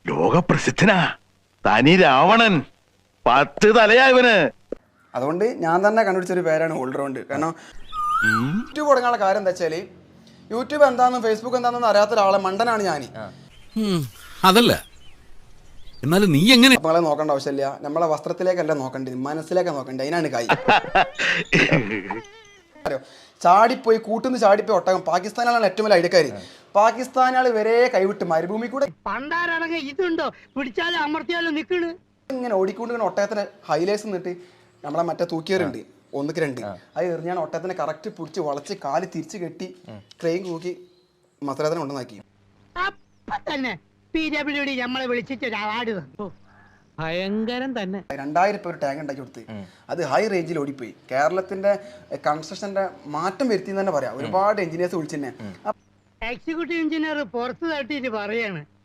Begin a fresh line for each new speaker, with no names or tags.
ലോകപ്രസിദ്ധനാ തനി രാവണൻ 10 തലയാ ഇവന്.
അതുകൊണ്ട് ഞാൻ തന്നെ കണ്ടുപിടിച്ചൊരു പേരാണ് ഓൾറൗണ്ട്. കാരണം യൂട്യൂബ് തുടങ്ങാനുള്ള കാര്യം എന്താ വെച്ചാൽ യൂട്യൂബ് എന്താണെന്നും ഫേസ്ബുക്ക് എന്താണെന്നും അറിയാത്ത ഒരാളെ മണ്ടനാണ് ഞാൻ.
അതല്ല, എന്നാലും നീ എങ്ങനെ
നമ്മളെ നോക്കേണ്ട ആവശ്യമില്ല, നമ്മളെ വസ്ത്രത്തിലേക്കല്ല നോക്കേണ്ടത്, മനസ്സിലേക്കാണ് നോക്കേണ്ടത്. അതിനാണ് കൈ. ചാടിപ്പോയി കൂട്ടുന്ന് ചാടിപ്പോയി ഒട്ടകം. പാകിസ്ഥാനാണ് ഏറ്റവും വലിയ ഐഡിയക്കാർ. പാകിസ്ഥാനാൾ വരെ കൈവിട്ട് മരുഭൂമി കൂടെ
ഇതുണ്ടോ പിടിച്ചാലും അമർത്തിയാലും നിൽക്കണ്.
ഇങ്ങനെ ഓടിക്കൊണ്ട് ഒട്ടകത്തിന് ഹൈലൈറ്റ്സ് നിന്നിട്ട് നമ്മളെ മറ്റേ തൂക്കിയറുണ്ട് 1-2 അത് എറിഞ്ഞാണ് ഒട്ടകത്തിനെ കറക്റ്റ് പിടിച്ച് വളച്ച് കാല് തിരിച്ച് കെട്ടി ട്രെയിൻ തൂക്കി മസരത്തിനെ കൊണ്ടുവന്നാക്കി.
അപ്പൊ തന്നെ PWD നമ്മളെ വിളിച്ചിട്ട് അവാർഡ് തന്നു. ഭയങ്കരം തന്നെ.
2000 രൂപ ഒരു ടാങ്ക് ഉണ്ടാക്കി കൊടുത്ത് അത് ഹൈ റേഞ്ചിൽ ഓടിപ്പോയി. കേരളത്തിന്റെ കൺസ്ട്രക്ഷന്റെ മാറ്റം വരുത്തി എന്ന് തന്നെ പറയാം. ഒരുപാട് എഞ്ചിനീയേഴ്സ് വിളിച്ചെന്നെ.
എക്സിക്യൂട്ടീവ് എഞ്ചിനീയർ പുറത്ത് തട്ടിയിട്ട് പറയാണ്